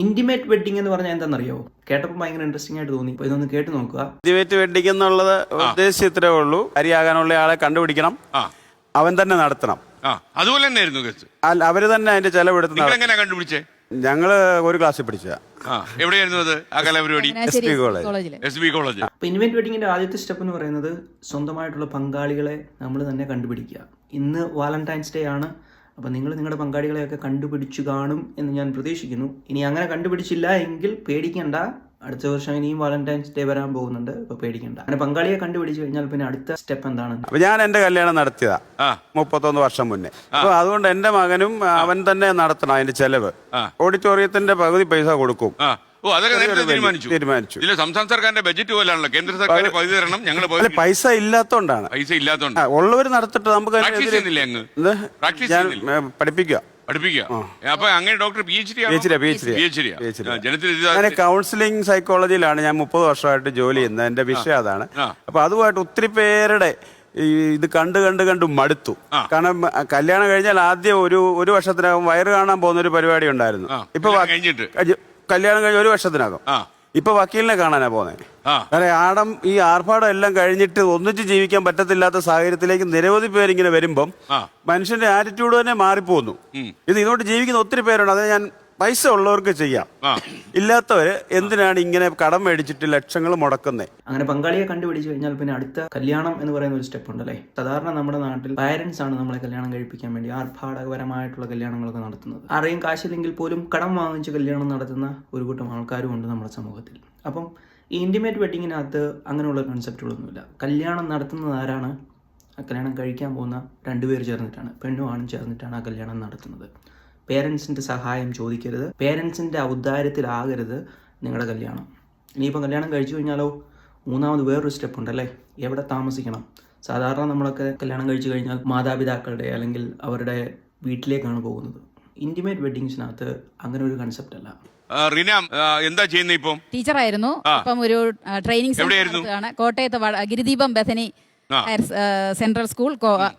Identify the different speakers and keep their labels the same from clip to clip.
Speaker 1: Intimate wedding എന്ന് പറഞ്ഞാൽ എന്താണെന്നറിയോ? കേട്ടപ്പോൾ ഭയങ്കര ഇൻട്രസ്റ്റിംഗ് ആയിട്ട് തോന്നി. അപ്പോൾ ഇതൊന്ന് കേട്ട് നോക്കുക.
Speaker 2: ഇന്റിമേറ്റ് വെഡിങ് എന്നുള്ളത് ഉദ്ദേശിച്ച് ഇത്രേ ഉള്ളൂ. അരിയാകാനുള്ള ആളെ കണ്ടുപിടിക്കണം, അവൻ തന്നെ നടത്തണം.
Speaker 3: അതുപോലെ തന്നെയായിരുന്നു കേസ്.
Speaker 2: അല്ല, അവര് തന്നെ അതിന്റെ ചെലവെടുത്ത്.
Speaker 3: എങ്ങനെയാ കണ്ടുപിടിച്ചേ?
Speaker 2: ഞങ്ങള് ഒരു ക്ലാസ്സിൽ പഠിച്ച.
Speaker 3: എവിടെയായിരുന്നു അത്? ആ കലാപരിപാടി
Speaker 2: SB കോളേജ്.
Speaker 1: അപ്പോൾ ഇൻറ്റിമേറ്റ് വെഡിങ്ങിന്റെ ആദ്യത്തെ സ്റ്റെപ്പ് എന്ന് പറയുന്നത് സ്വന്തമായിട്ടുള്ള പങ്കാളികളെ നമ്മൾ തന്നെ കണ്ടുപിടിക്കുക. ഇന്ന് വാലന്റൈൻസ് ഡേ ആണ്. അപ്പോൾ നിങ്ങൾ നിങ്ങളുടെ പങ്കാളികളെയൊക്കെ കണ്ടുപിടിച്ചു കാണും എന്ന് ഞാൻ പ്രതീക്ഷിക്കുന്നു. ഇനി അങ്ങനെ കണ്ടുപിടിച്ചില്ല എങ്കിൽ പേടിക്കണ്ട, അടുത്ത വർഷം ഇനിയും വാലന്റൈൻസ് ഡേ വരാൻ പോകുന്നുണ്ട്. അപ്പോൾ പേടിക്കണ്ട. അങ്ങനെ പങ്കാളിയെ കണ്ടുപിടിച്ചു കഴിഞ്ഞാൽ പിന്നെ അടുത്ത സ്റ്റെപ്പ് എന്താണ്?
Speaker 2: അപ്പൊ ഞാൻ എന്റെ കല്യാണം നടത്തിയതാ 31 വർഷം മുന്നേ. അപ്പൊ അതുകൊണ്ട് എന്റെ മകനും അവൻ തന്നെ നടത്തണം അതിന്റെ ചെലവ്. ഓഡിറ്റോറിയത്തിന്റെ പകുതി പൈസ കൊടുക്കും.
Speaker 3: തീരുമാനിച്ചു. ഇല്ല, സംസ്ഥാന സർക്കാരിന്റെ ബജറ്റ് പോലാണല്ലോ. കേന്ദ്ര സർക്കാർ പകുതി തരണം, ഞങ്ങൾ
Speaker 2: പൈസ ഇല്ലാത്തോണ്ടാണ്. ഉള്ളവര് നടത്തിട്ട് നമുക്ക് പഠിപ്പിക്കുക.
Speaker 3: അപ്പൊ അങ്ങനെ ഡോക്ടർ
Speaker 2: കൗൺസിലിംഗ് സൈക്കോളജിയിലാണ് ഞാൻ 30 വർഷമായിട്ട് ജോലി ചെയ്യുന്നത്. എന്റെ വിഷയം അതാണ്. അപ്പൊ അതുമായിട്ട് ഒത്തിരി പേരുടെ ഇത് കണ്ട് മടുത്തു. കാരണം കല്യാണം കഴിഞ്ഞാൽ ആദ്യം ഒരു വർഷത്തിനകം വയറ് കാണാൻ പോകുന്ന ഒരു പരിപാടി ഉണ്ടായിരുന്നു. ഇപ്പൊ കല്യാണം കഴിഞ്ഞ 1 വർഷത്തിനകം ഇപ്പൊ വക്കീലിനെ കാണാനാ പോകുന്നത്. കാരണം ഈ ആർഭാടം എല്ലാം കഴിഞ്ഞിട്ട് ഒന്നിച്ച് ജീവിക്കാൻ പറ്റത്തില്ലാത്ത സാഹചര്യത്തിലേക്ക് നിരവധി പേരിങ്ങനെ വരുമ്പം മനുഷ്യന്റെ ആറ്റിറ്റ്യൂഡ് തന്നെ മാറിപ്പോകുന്നു. ഇതുകൊണ്ട് ജീവിക്കുന്ന ഒത്തിരി പേരുണ്ട്. അത് ഞാൻ പൈസ ഉള്ളവർക്ക് ചെയ്യാം, ഇല്ലാത്തവര് എന്തിനാണ് ഇങ്ങനെ കടം മേടിച്ചിട്ട് ലക്ഷങ്ങൾ മുടക്കുന്നത്?
Speaker 1: അങ്ങനെ പങ്കാളിയെ കണ്ടുപിടിച്ചു കഴിഞ്ഞാൽ പിന്നെ അടുത്ത കല്യാണം എന്ന് പറയുന്ന ഒരു സ്റ്റെപ്പ് ഉണ്ടല്ലേ. സാധാരണ നമ്മുടെ നാട്ടിൽ പാരന്റ്സ് ആണ് നമ്മളെ കല്യാണം കഴിപ്പിക്കാൻ വേണ്ടി ആർഭാടകപരമായിട്ടുള്ള കല്യാണങ്ങളൊക്കെ നടത്തുന്നത്. ആരെയും കാശില്ലെങ്കിൽ പോലും കടം വാങ്ങിച്ച് കല്യാണം നടത്തുന്ന ഒരു കൂട്ടം ആൾക്കാരും ഉണ്ട് നമ്മുടെ സമൂഹത്തിൽ. അപ്പം ഈ ഇന്റിമേറ്റ് വെഡിങ്ങിനകത്ത് അങ്ങനെയുള്ള കൺസെപ്റ്റുകളൊന്നുമില്ല. കല്യാണം നടത്തുന്നത് ആരാണ്? കല്യാണം കഴിക്കാൻ പോകുന്ന 2 പേര് ചേർന്നിട്ടാണ്, പെണ്ണും ആണും ചേർന്നിട്ടാണ് ആ കല്യാണം നടത്തുന്നത്. പേരൻസിൻ്റെ സഹായം ചോദിക്കരുത്, പേരൻസിൻ്റെ ഔദാര്യത്തിലാകരുത് നിങ്ങളുടെ കല്യാണം. ഇനിയിപ്പം കല്യാണം കഴിച്ചു കഴിഞ്ഞാലോ മൂന്നാമത് വേറൊരു സ്റ്റെപ്പ് ഉണ്ടല്ലേ, എവിടെ താമസിക്കണം. സാധാരണ നമ്മളൊക്കെ കല്യാണം കഴിച്ചു കഴിഞ്ഞാൽ മാതാപിതാക്കളുടെ അല്ലെങ്കിൽ അവരുടെ വീട്ടിലേക്കാണ് പോകുന്നത്. ഇന്റിമേറ്റ് വെഡിങ്സിനകത്ത് അങ്ങനെ ഒരു കൺസെപ്റ്റ് അല്ല.
Speaker 3: റീന എന്താ ചെയ്യുന്നത്? ഇപ്പം
Speaker 4: ടീച്ചറായിരുന്നു. ഇപ്പം ഒരു ട്രെയിനിങ് സെന്റർ കോട്ടയത്ത് ഗിരിദീപം ബഥനി സെൻട്രൽ സ്കൂൾ.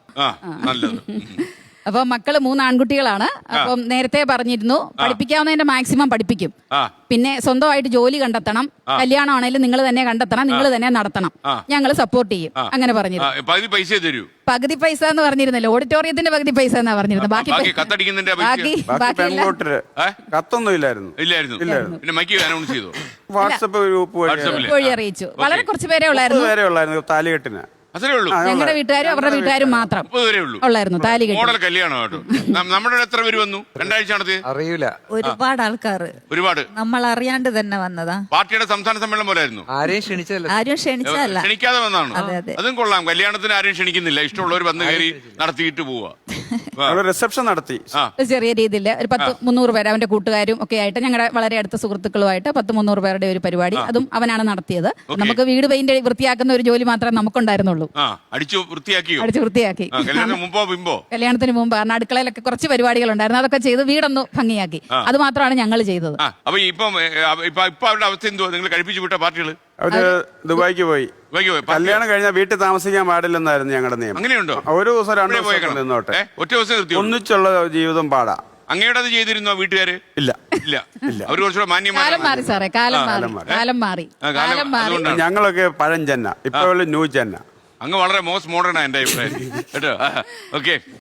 Speaker 4: അപ്പൊ മക്കള് 3 ആൺകുട്ടികളാണ്. അപ്പം നേരത്തെ പറഞ്ഞിരുന്നു പഠിപ്പിക്കാവുന്നതിന്റെ മാക്സിമം പഠിപ്പിക്കും. പിന്നെ സ്വന്തമായിട്ട് ജോലി കണ്ടെത്തണം, കല്യാണമാണെങ്കിലും നിങ്ങൾ തന്നെ കണ്ടെത്തണം, നിങ്ങൾ തന്നെ നടത്തണം, ഞങ്ങൾ സപ്പോർട്ട് ചെയ്യും. അങ്ങനെ പറഞ്ഞിരുന്നു. പകുതി പൈസ എന്ന് പറഞ്ഞിരുന്നല്ലോ, ഓഡിറ്റോറിയത്തിന്റെ പകുതി പൈസ എന്നാ പറഞ്ഞിരുന്നത്. ബാക്കി വഴി അറിയിച്ചു. വളരെ കുറച്ച് പേരെ ഉള്ളായിരുന്നു.
Speaker 2: താലികെട്ടിന്
Speaker 4: ഞങ്ങളുടെ വീട്ടുകാരും അവരുടെ വീട്ടുകാരും മാത്രം ഉള്ളായിരുന്നു താലി കെട്ടി.
Speaker 3: മോഡൽ കല്യാണം. നമ്മുടെ എത്ര പേര് വന്നു? 2 ആഴ്ച
Speaker 5: അറിയില്ല. ഒരുപാട് ആൾക്കാർ നമ്മൾ അറിയാണ്ട് തന്നെ വന്നതാ.
Speaker 3: പാർട്ടിയുടെ സംസ്ഥാന സമ്മേളനം പോലായിരുന്നു.
Speaker 5: ആരും ക്ഷണിച്ചല്ല,
Speaker 3: ക്ഷണിക്കാതെ വന്നതാണ്. അതും കൊള്ളാം. കല്യാണത്തിന് ആരും ക്ഷണിക്കുന്നില്ല, ഇഷ്ടമുള്ളവർ വന്ന് കയറി നടത്തിയിട്ട് പോവാ.
Speaker 2: റിസപ്ഷൻ നടത്തി
Speaker 4: ചെറിയ രീതിയിൽ ഒരു 100-300 പേര് അവന്റെ കൂട്ടുകാരും ഒക്കെ ആയിട്ട്, ഞങ്ങളുടെ വളരെ അടുത്ത സുഹൃത്തുക്കളുമായിട്ട് 100-300 പേരുടെ ഒരു പരിപാടി. അതും അവനാണ് നടത്തിയത്. നമുക്ക് വീട് പെയിന്റ് വൃത്തിയാക്കുന്ന ഒരു ജോലി മാത്രമേ നമുക്കുണ്ടായിരുന്നുള്ളൂ.
Speaker 3: അടിച്ചു വൃത്തിയാക്കി.
Speaker 4: കല്യാണത്തിന് മുമ്പ് കാരണം അടുക്കളയിലൊക്കെ കുറച്ച് പരിപാടികൾ ഉണ്ടായിരുന്നു, അതൊക്കെ ചെയ്ത് വീടൊന്ന് ഭംഗിയാക്കി. അത് മാത്രമാണ് ഞങ്ങൾ ചെയ്തത്.
Speaker 3: അപ്പൊ ഇപ്പൊ അവരുടെ അവസ്ഥ എന്തുവാ? നിങ്ങൾ കഴിപ്പിച്ചു വിട്ട പാർട്ടികൾ
Speaker 2: അവര് ദുബായിക്ക് പോയി. കല്യാണം കഴിഞ്ഞാൽ വീട്ടിൽ താമസിക്കാൻ പാടില്ലെന്നായിരുന്നു ഞങ്ങളുടെ നിയമം.
Speaker 3: അങ്ങനെയുണ്ടോ?
Speaker 2: ഒരു ദിവസം 2 ദിവസം നിന്നോട്ടെ.
Speaker 3: ഒറ്റ ദിവസം
Speaker 2: ഒന്നിച്ചുള്ള ജീവിതം പാടാ.
Speaker 3: അങ്ങയുടെ അത് ചെയ്തിരുന്നോ വീട്ടുകാര്?
Speaker 2: ഇല്ല.
Speaker 3: അവർ കുറച്ചുകൂടെ മാന്യമാരും
Speaker 4: മാറി സാറേ. കാലം മാറി.
Speaker 2: ഞങ്ങളൊക്കെ പഴം ചെന്ന, ഇപ്പൊ ന്യൂ ചെന്ന.
Speaker 3: അങ്ങ് വളരെ മോസ്റ്റ് മോഡേൺ ആ എന്റെ അഭിപ്രായം കേട്ടോ. ഓക്കെ.